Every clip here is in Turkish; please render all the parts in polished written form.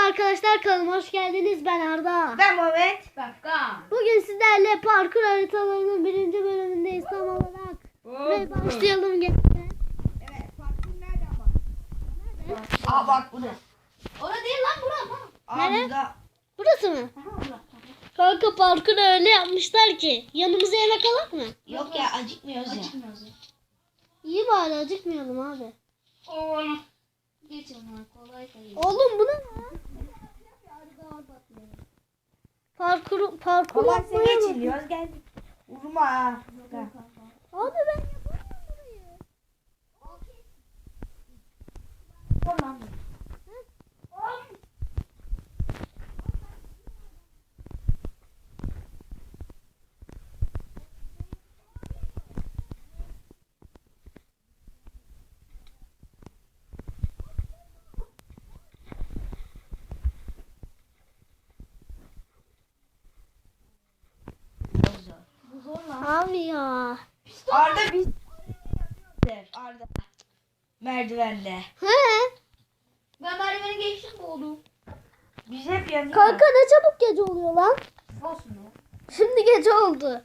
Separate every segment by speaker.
Speaker 1: arkadaşlar, kanalıma hoş geldiniz. Ben Arda.
Speaker 2: Ben Mehmet.
Speaker 3: Dakika.
Speaker 1: Bugün sizlerle parkur haritalarının 1. bölümündeyiz tam olarak. Ve başlayalım gençler.
Speaker 2: Evet, parkur nerede ama? Aa bak bu ne?
Speaker 3: Orada değil lan bura.
Speaker 2: Aa
Speaker 1: Nerede?
Speaker 2: burada.
Speaker 1: Burası mı? Kanka parkuru öyle yapmışlar ki. Yanımıza yemek alak mı?
Speaker 2: Yok ya acıkmıyoruz ya.
Speaker 3: Açılmıyoruz.
Speaker 1: İyi bari acıkmayalım abi.
Speaker 3: Oo. Geç ama kolay değil.
Speaker 1: Oğlum bu ne lan? Parkur
Speaker 2: Kolaysa
Speaker 1: yapmaya bak.
Speaker 2: geçiliyoruz geldik. Vurma ha.
Speaker 1: Abi ben yapamıyorum burayı.
Speaker 3: Bu zor lan.
Speaker 1: Abi ya.
Speaker 2: Arda biz Arda merdivende.
Speaker 1: He?
Speaker 3: Ben merdiveni geçtim mi oldu?
Speaker 2: Biz hep yanıyor.
Speaker 1: Kanka ne çabuk gece oluyor lan.
Speaker 3: Olsun ya.
Speaker 1: Şimdi gece oldu.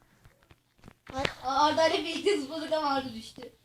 Speaker 3: Arda ile birlikte zıpladık ama Arda düştü.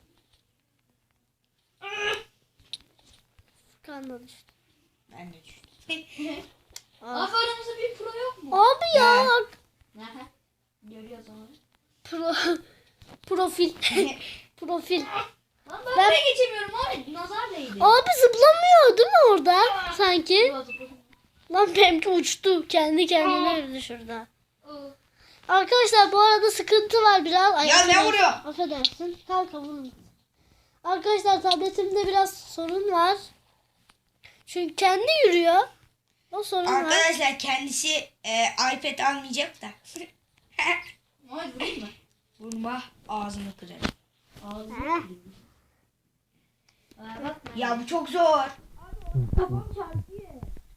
Speaker 1: Kanka düştü.
Speaker 2: Ben de düştüm.
Speaker 3: Abi aramızda bir pro yok mu?
Speaker 1: Abi ya.
Speaker 3: Aha. Görüyoruz onu.
Speaker 1: Profil. Profil.
Speaker 3: Lan ben de geçemiyorum abi. Nazar değdi.
Speaker 1: Abi zıplamıyor değil mi orada? Sanki.
Speaker 3: Biraz zıpladım.
Speaker 1: Lan benimki uçtu. Kendi kendine yürüdü şurada.
Speaker 3: Oo.
Speaker 1: Arkadaşlar bu arada sıkıntı var biraz. Ay,
Speaker 2: Ya ne
Speaker 1: affedersin.
Speaker 2: vuruyor?
Speaker 1: Affedersin. Kanka vurun. Arkadaşlar tabletimde biraz sorun var. Çünkü kendi yürüyor. O sorun var.
Speaker 2: Arkadaşlar kendisi iPad almayacak da.
Speaker 3: Hadi vurayım mı?
Speaker 2: Vurma ağzını kırarım.
Speaker 3: Ağzını
Speaker 1: Heh.
Speaker 3: kırayım. Aa, bak.
Speaker 2: Ya bu çok zor.
Speaker 3: Kafam çarpıyor.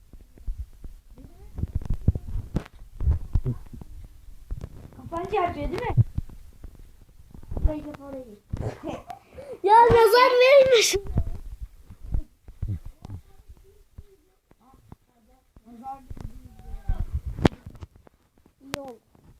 Speaker 2: Kafan çarpıyor değil mi?
Speaker 1: Ya nazar vermiş. Yol.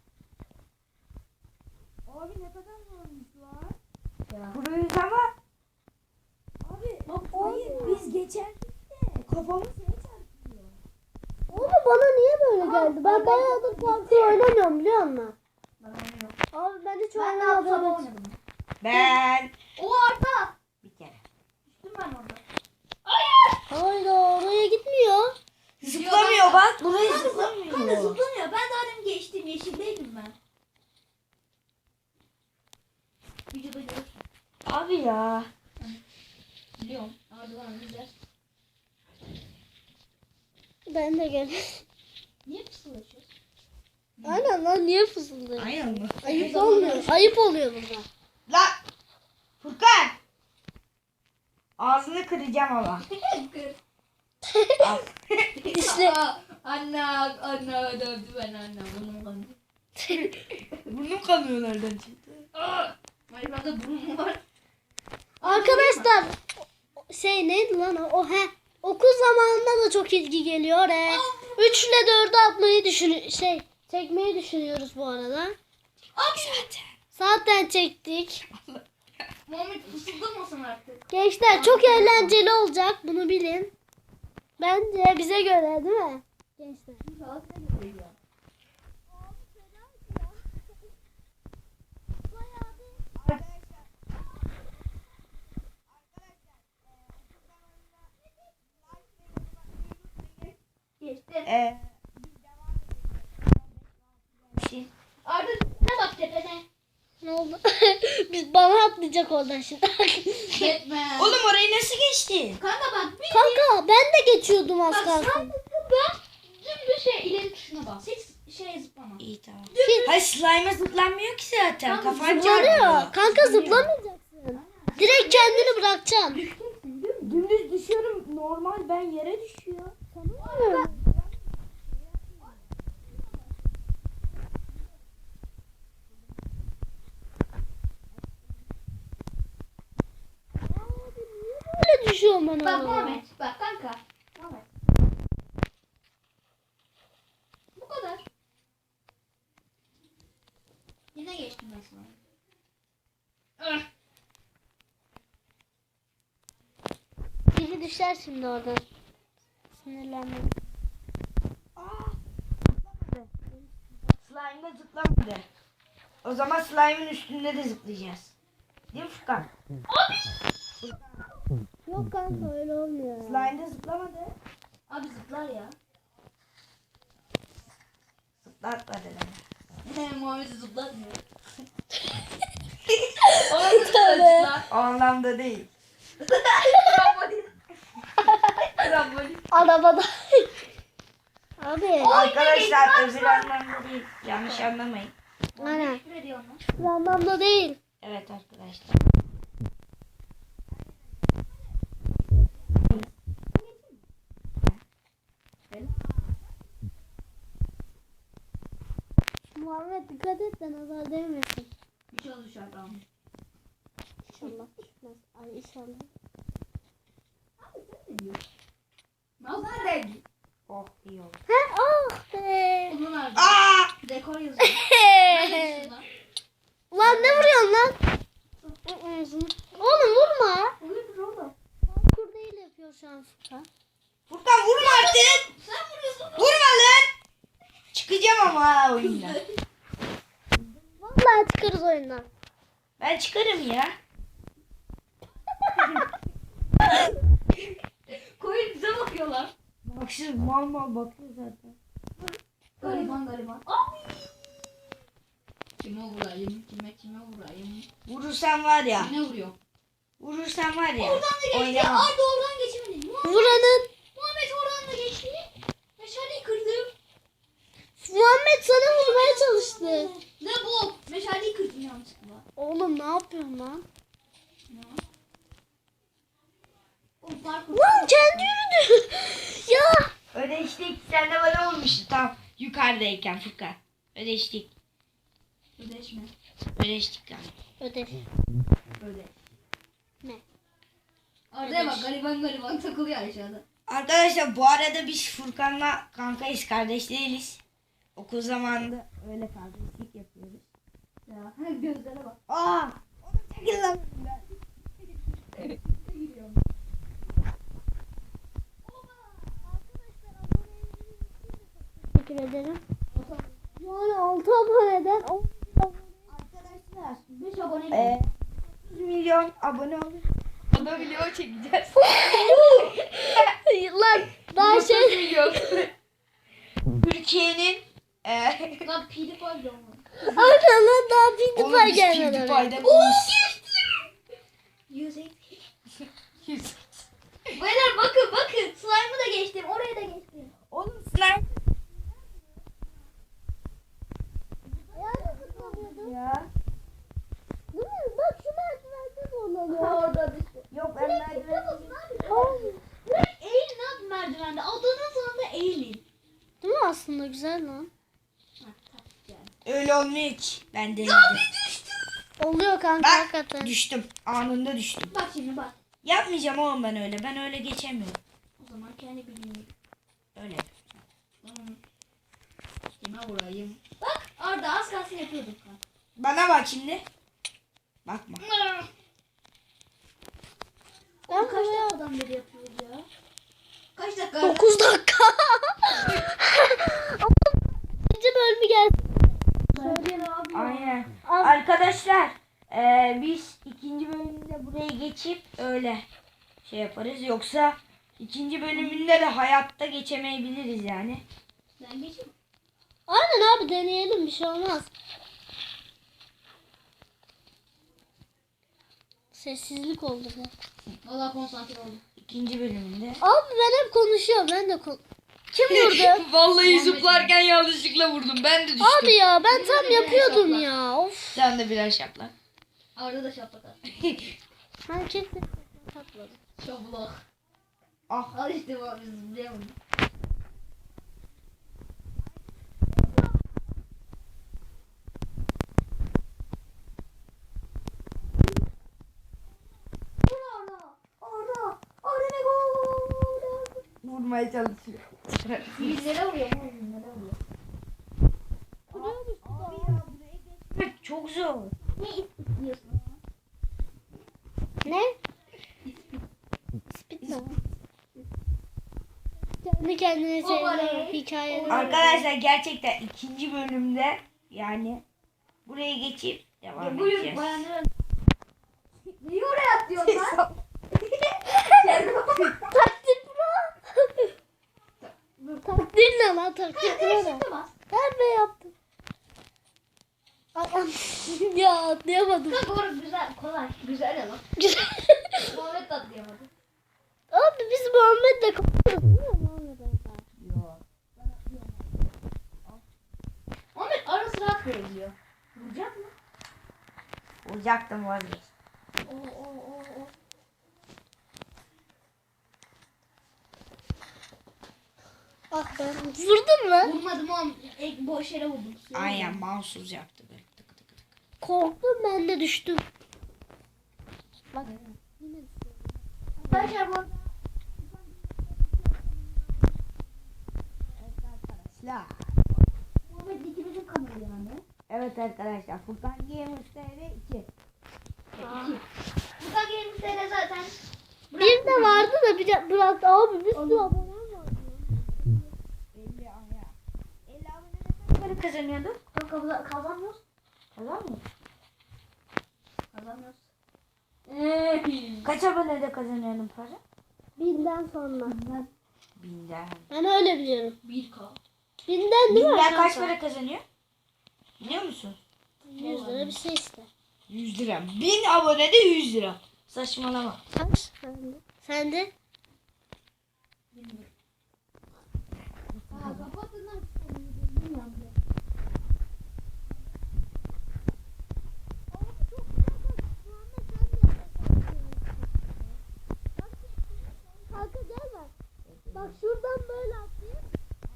Speaker 2: Abi ne kadar zormuşlar. Burayız ama. Abi hayır biz geçerdik de kafamız şeye çarpıyor.
Speaker 1: Oğlum bana niye böyle geldi? Ben bayağıdır parkur oynamıyorum biliyor musun?
Speaker 3: Ben oynuyorum.
Speaker 1: Abi ben hiç
Speaker 3: Ben de sabah
Speaker 1: oynamadım.
Speaker 3: oynadım.
Speaker 2: Ben
Speaker 3: O Arda.
Speaker 2: bir kere.
Speaker 3: Düştüm ben orada.
Speaker 1: Hayır oraya gitmiyor.
Speaker 2: Zıplamıyor bak burayı
Speaker 3: Kanka
Speaker 2: zıplamıyor.
Speaker 3: zıplamıyor. Ben zaten geçtim. Yeşildeydim ben. Videoda görürsün.
Speaker 2: Abi ya.
Speaker 3: Biliyorum. Arda'dan güzel.
Speaker 1: Ben de gel.
Speaker 3: Niye pısılaşıyorsun?
Speaker 1: Aynen lan niye fısıldıyor?
Speaker 2: Aynen mı?
Speaker 1: Ayıp olmuyor. Ayıp oluyor burada.
Speaker 2: Lan Furkan. Ağzını kıracağım ama. Al.
Speaker 1: İşte
Speaker 3: Anne dövdü ben anne. Burnum kandı.
Speaker 2: Burnum kanıyor nereden çıktı?
Speaker 3: Minecraft'ta burnum var.
Speaker 1: arkadaşlar şey neydi lan o? Okul zamanında da çok ilgi geliyor. 3 ile 4'ü atmayı çekmeyi düşünüyoruz bu arada.
Speaker 3: Abi.
Speaker 1: Zaten çektik.
Speaker 3: Muhammed fısıldamasın artık.
Speaker 1: Gençler çok eğlenceli olacak bunu bilin. Bence bize göre değil mi? Gençler.
Speaker 3: Geçti.
Speaker 2: Bir şey.
Speaker 3: Arda ne bak tepene.
Speaker 1: Ne oldu? Biz bana atlayacak oradan şimdi.
Speaker 3: Gitme.
Speaker 2: Oğlum orayı nasıl geçtin?
Speaker 3: Kanka bak bir
Speaker 1: Kanka ben de geçiyordum az
Speaker 3: bak
Speaker 1: kalsın.
Speaker 3: sadece ben dümdüz ileri tuşuna bas. Hiç zıplama.
Speaker 2: İyi tamam.
Speaker 1: Kim?
Speaker 2: Hayır slime'a zıplanmıyor ki zaten.
Speaker 3: Tamam,
Speaker 2: Kafan
Speaker 1: Zıplanıyor.
Speaker 2: çarpıyor.
Speaker 1: Kanka zıplamayacaksın. Direkt kendini bırakacaksın.
Speaker 2: Dümdüz düşüyorum. Normal ben yere düşüyor.
Speaker 1: Böyle düşüyorum ben
Speaker 3: Bak
Speaker 1: oraya.
Speaker 3: Muhammed bak kanka. Muhammed. Yine geçtim ben sana.
Speaker 1: Biri düşer şimdi oradan. Sinirlenme.
Speaker 2: Slime'da zıplamadı. O zaman slime'ın üstünde de zıplayacağız. Değil mi Furkan?
Speaker 1: Yok kanka öyle olmuyor. ya.
Speaker 2: Slime'da zıplamadı.
Speaker 3: Abi zıplar ya.
Speaker 2: Zıplatmadı beni.
Speaker 3: Muhammed'i zıplatmıyor.
Speaker 1: Tövbe.
Speaker 2: O anlamda değil.
Speaker 3: Trambolin.
Speaker 1: Arabada. Abi.
Speaker 2: Arkadaşlar öbür anlamda değil. Yanlış anlamayın.
Speaker 1: Aynen.
Speaker 3: Küfür ediyor lan.
Speaker 1: Bu anlamda değil.
Speaker 2: Evet arkadaşlar.
Speaker 1: Muhammed dikkat et de nazar değmesin.
Speaker 3: Bir şey olacak tamam.
Speaker 1: İnşallah düşmez. Ay inşallah.
Speaker 3: Abi sen ne diyorsun? Nazar rengi.
Speaker 2: Oh iyi oldu.
Speaker 1: He oh be.
Speaker 3: Bunu nerede?
Speaker 2: Aa!
Speaker 3: Dekor yazıyor. Nerede lan?
Speaker 1: Ulan ne vuruyorsun lan? Oğlum vurma.
Speaker 3: Oluyor oğlum.
Speaker 1: Parkur değil yapıyor şu an Furkan.
Speaker 2: Furkan vurma artık.
Speaker 3: Sen vuruyorsun.
Speaker 2: Vurma lan. Çıkacağım ama ha oyundan.
Speaker 1: Vallahi çıkarız oyundan.
Speaker 2: Ben çıkarım ya.
Speaker 3: Koyun bize bakıyorlar.
Speaker 2: Baksın mal mal bakıyor zaten.
Speaker 3: Gariban gariban. Abi. Kime vurayım? Kime vurayım?
Speaker 2: Vurursan var ya.
Speaker 3: Ne vuruyor?
Speaker 2: Vurursan var ya.
Speaker 3: Oradan da geçti.
Speaker 2: Oynamam.
Speaker 3: Arda oradan geçemedi.
Speaker 1: Vuranın.
Speaker 3: Muhammed oradan da geçti. Meşaleyi kırdım.
Speaker 1: Muhammed sana vurmaya çalıştı.
Speaker 3: Ne bu? Meşaleyi kırdım yanlışlıkla.
Speaker 1: Oğlum ne yapıyorsun lan?
Speaker 3: Ne? O parkur.
Speaker 1: Lan kendi yürüdü. Ya.
Speaker 2: Ödeştik. Sen de bana vurmuştun tam yukarıdayken Furkan. Ödeştik.
Speaker 3: Ödeşme.
Speaker 2: Ödeştik yani.
Speaker 1: Ödev.
Speaker 3: Ödeş.
Speaker 1: Ne?
Speaker 3: Arda'ya bak gariban takılıyor aşağıda.
Speaker 2: Arkadaşlar bu arada biz Furkan'la kankayız, kardeş değiliz. Okul zamanında öyle kardeşlik yapıyoruz.
Speaker 3: Ya gözlere bak.
Speaker 2: Aa! Onu çekil lan.
Speaker 1: Teşekkür ederim. Yani 6 aboneden 10
Speaker 3: Arkadaşlar 5 abone
Speaker 2: 100 milyon abone olun. O da video çekeceğiz.
Speaker 1: lan daha şey.
Speaker 2: milyon. Türkiye'nin
Speaker 3: Lan pili var ya onun.
Speaker 1: Aynen lan daha bir
Speaker 2: oğlum
Speaker 1: defa
Speaker 2: biz
Speaker 1: gelmedi.
Speaker 2: PewDiePie'den iyiyiz.
Speaker 3: 100. Beyler bakın. Slime'ı da geçtim. Oraya da geçtim.
Speaker 2: Oğlum slime ya.
Speaker 1: Değil mi? Bak şu merdivende zorlanıyor.
Speaker 3: Orada düştü.
Speaker 2: Yok ben merdiven.
Speaker 3: Direkt eğilin abi merdivende. Adanın sonunda eğilin.
Speaker 1: Değil mi aslında güzel lan?
Speaker 2: Öyle olmuyor hiç. Ben denedim.
Speaker 1: Oluyor kanka
Speaker 2: Bak
Speaker 1: hakikaten.
Speaker 2: düştüm. Anında düştüm.
Speaker 3: Bak şimdi bak.
Speaker 2: Yapmayacağım oğlum ben öyle. Ben öyle geçemiyorum.
Speaker 3: O zaman kendi bildiğini.
Speaker 2: Öyle.
Speaker 3: Kime vurayım? Bak Arda az kalsın yapıyorduk.
Speaker 2: Bana bak şimdi. Bakma.
Speaker 3: Ben kaç dakikadan beri yapıyoruz ya? Kaç dakika?
Speaker 1: 9 dakika. İkinci bölümü gelsin.
Speaker 3: Söyleyin abi.
Speaker 2: Aynen.
Speaker 1: Abi,
Speaker 2: Arkadaşlar biz ikinci bölümde buraya geçip öyle şey yaparız. Yoksa ikinci bölümünde de hayatta geçemeyebiliriz yani.
Speaker 3: Ben geçeyim.
Speaker 1: aynen abi deneyelim bir şey olmaz. Sessizlik oldu be.
Speaker 3: Valla konsantre oldum.
Speaker 2: İkinci bölümünde.
Speaker 1: Abi ben hep konuşuyorum ben de Kim vurdu?
Speaker 2: Vallahi
Speaker 3: Muhammed
Speaker 2: zıplarken yanlışlıkla vurdum. Ben de düştüm.
Speaker 1: Abi ya ben tam
Speaker 3: Birbirine
Speaker 1: yapıyordum
Speaker 3: şapla.
Speaker 1: ya. Of.
Speaker 2: Sen de birer şaplak.
Speaker 3: Arda da şaplak at.
Speaker 1: Ben kesin tatladım.
Speaker 3: Şaplak.
Speaker 2: Ah.
Speaker 3: Al işte bu abi zıplayamadım.
Speaker 2: Vurmaya çalışıyor.
Speaker 3: Bizlere vuruyor mu? Bizlere vuruyor.
Speaker 2: Abi ya buraya geçmek çok çok zor.
Speaker 3: Ne istiyorsun?
Speaker 1: Ne? Spit mi? Kendi kendine şeyler, hikayeler.
Speaker 2: Arkadaşlar gerçekten ikinci bölümde yani buraya geçip devam edeceğiz.
Speaker 3: Niye oraya atlıyorsun lan?
Speaker 1: Takdir pro. Takdir ne lan takdir pro ne?
Speaker 3: Şimdi bas.
Speaker 1: Ben mi yaptım? Ay, ya atlayamadım.
Speaker 3: Kanka orası güzel, kolay. Güzel ya lan.
Speaker 1: Güzel.
Speaker 3: Muhammed de atlayamadı.
Speaker 1: Abi biz Muhammed'le konuşuyoruz değil mi Muhammed'le?
Speaker 2: Yok.
Speaker 3: Muhammed ara sıra atlayabiliyor. Vuracak mı?
Speaker 2: Olacaktım vazgeç.
Speaker 3: Oo.
Speaker 1: Ah ben vurdun mu?
Speaker 3: Vurmadım oğlum. Boş yere vurdum.
Speaker 2: Aynen mahsus yaptı böyle. Tık tık tık.
Speaker 1: Korktum ben de düştüm. Bak.
Speaker 3: Arkadaşlar bu
Speaker 2: Arkadaşlar.
Speaker 3: Muhammed ikimizin kanalı yani.
Speaker 2: Evet arkadaşlar Furkan Games TR 2.
Speaker 3: Furkan Games'te zaten
Speaker 1: Bir de vardı da bir de bıraktı. Abi bir sürü abonem vardı.
Speaker 2: 50 aya. 50 abonede kaç para kazanıyorduk?
Speaker 3: kanka kazanmıyoruz.
Speaker 2: Kazanmıyor.
Speaker 3: Kazanmıyoruz.
Speaker 2: Kaç abonede kazanıyordun para?
Speaker 1: Binden sonra.
Speaker 2: Binden.
Speaker 1: Ben öyle biliyorum.
Speaker 3: 1K.
Speaker 1: Binden değil mi?
Speaker 2: Binden kaç
Speaker 1: arkadaşlar?
Speaker 2: para kazanıyor? Biliyor musun?
Speaker 1: 100 lira bir şey işte.
Speaker 2: 100 lira. 1000 abonede 100 lira. Saçmalama.
Speaker 1: Kaç? Sen de?
Speaker 3: Kapatın lan.
Speaker 1: Kanka gel bak. Bak şuradan böyle atlayayım.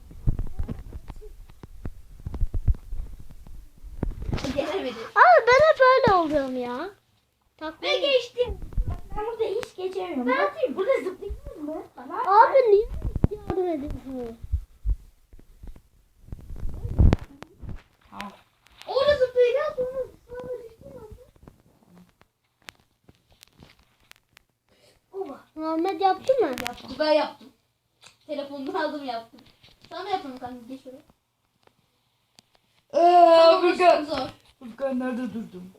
Speaker 3: Gelemedi.
Speaker 1: Abi ben hep öyle oluyorum ya. Takma.
Speaker 3: Ben geçtim. Ben burada hiç geçemiyorum. Ben atayım. Burada zıplayayım mı? Bana.
Speaker 1: Abi niye yardım ediyorsun?
Speaker 2: Tamam.
Speaker 3: Orada zıplayacağız. Sonra düştüm abi. Oba.
Speaker 1: Muhammed yaptı mı?
Speaker 3: Yaptım. Ben yaptım. Telefonunu aldım yaptım. Sana yapalım kanka. Geç oraya.
Speaker 2: Furkan.
Speaker 3: Zor.
Speaker 2: Furkan nerede durdun?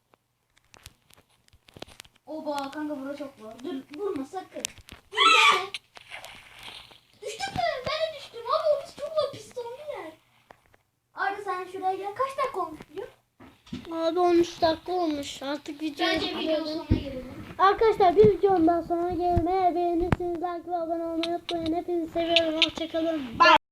Speaker 3: Oba kanka burada çok zor. Dur vurma sakın. Gelme. Düştün mü? Ben de düştüm. Abi orası çok zor. Pistonlu yer. Arda sen şuraya gel. Kaç dakika olmuş biliyor?
Speaker 1: Abi 13 dakika olmuş. Artık video
Speaker 3: Bence videonun sonuna gelelim.
Speaker 1: Arkadaşlar bir videomdan sonra gelmeye beğenirseniz like ve abone olmayı unutmayın. Hepinizi seviyorum. Hoşçakalın.
Speaker 2: Bye.